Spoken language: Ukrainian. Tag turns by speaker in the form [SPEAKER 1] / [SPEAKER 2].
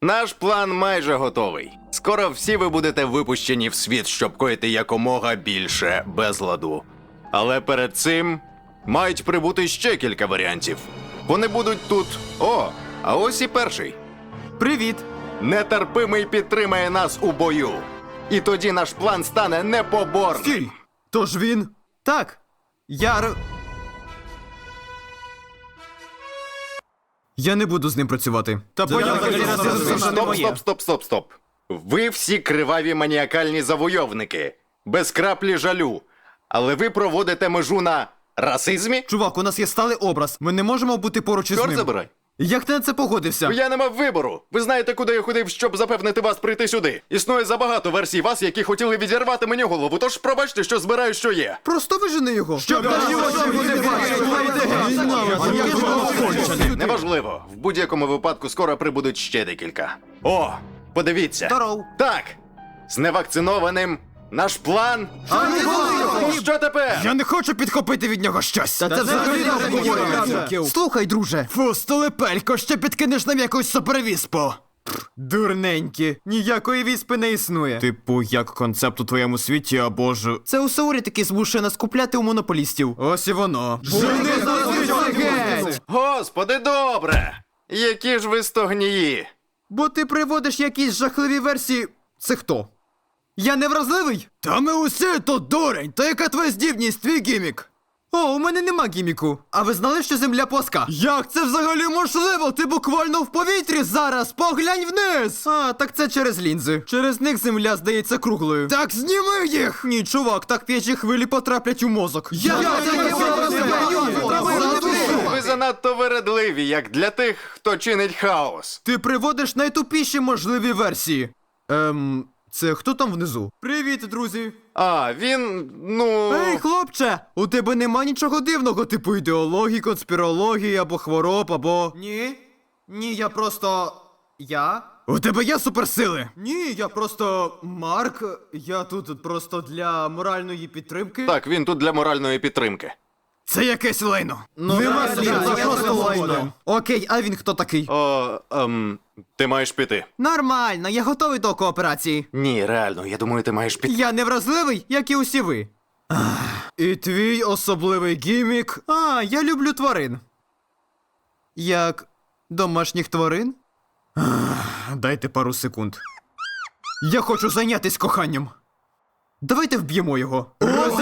[SPEAKER 1] Наш план майже готовий. Скоро всі ви будете випущені в світ, щоб коїти якомога більше безладу. Але перед цим мають прибути ще кілька варіантів. Вони будуть тут. О, а ось і перший.
[SPEAKER 2] Привіт!
[SPEAKER 1] Нетерпимий підтримає нас у бою. І тоді наш план стане непоборним.
[SPEAKER 2] Стій! Тож він? Так. Я не буду з ним працювати. Та
[SPEAKER 1] Стоп. Ви всі криваві маніакальні завойовники. Без краплі жалю. Але ви проводите межу на расизмі?
[SPEAKER 2] Чувак, у нас є сталий образ. Ми не можемо бути поруч із
[SPEAKER 1] Чорт
[SPEAKER 2] ним.
[SPEAKER 1] забирай.
[SPEAKER 2] Як ти на це погодився?
[SPEAKER 1] Я не мав вибору. Ви знаєте, куди я ходив, щоб запевнити вас прийти сюди. Існує забагато версій вас, які хотіли відірвати мені голову, тож пробачте, що збираю, що є.
[SPEAKER 2] Просто вижени його. Щоб наші очі не бачили.
[SPEAKER 1] Неважливо. В будь-якому випадку скоро прибудуть ще декілька. О, подивіться.
[SPEAKER 2] Здоров.
[SPEAKER 1] Так. З невакцинованим наш план. Що тепер?
[SPEAKER 2] Я не хочу підхопити від нього щось. Та це взагалі не обговорюється. Слухай, друже. Фу, столепелько, ще підкинеш нам якусь супервіспу. Дурненькі. Ніякої віспи не існує. Типу, як концепт у твоєму світі, або ж... Це у Саурі таки змушує нас купляти у монополістів. Ось і воно.
[SPEAKER 1] Господи, добре. Які ж ви стогнії.
[SPEAKER 2] Бо ти приводиш якісь жахливі версії... Це хто? Я не вразливий? Та ми усі тут дурень. Та яка твоя здібність, твій гімік? О, у мене нема гіміку. А ви знали, що земля плоска? Як це взагалі можливо? Ти буквально в повітрі зараз. Поглянь вниз. А, так це через лінзи. Через них земля здається круглою. Так зніми їх! Ні, чувак, так п'ячі хвилі потраплять у мозок.
[SPEAKER 1] Ви занадто вередливі, як для тих, хто чинить хаос.
[SPEAKER 2] Ти приводиш найтупіші можливі версії. Це хто там внизу? Привіт, друзі.
[SPEAKER 1] А, він,
[SPEAKER 2] Ей, хлопче, у тебе нема нічого дивного, типу ідеології, конспірології, або хвороб, або... Ні, я просто... У тебе є суперсили? Ні, я просто... Марк, я тут просто для моральної підтримки.
[SPEAKER 1] Так, він тут для моральної підтримки.
[SPEAKER 2] Це якесь лайно. Нема слів, це просто лайно. Окей, а він хто такий?
[SPEAKER 1] Ти маєш піти.
[SPEAKER 2] Нормально, я готовий до кооперації.
[SPEAKER 1] Ні, реально, я думаю, ти маєш піти.
[SPEAKER 2] Я не вразливий, як і усі ви. І твій особливий гімік. А, я люблю тварин. Як домашніх тварин? Дайте пару секунд. Я хочу зайнятись коханням. Давайте вб'ємо його.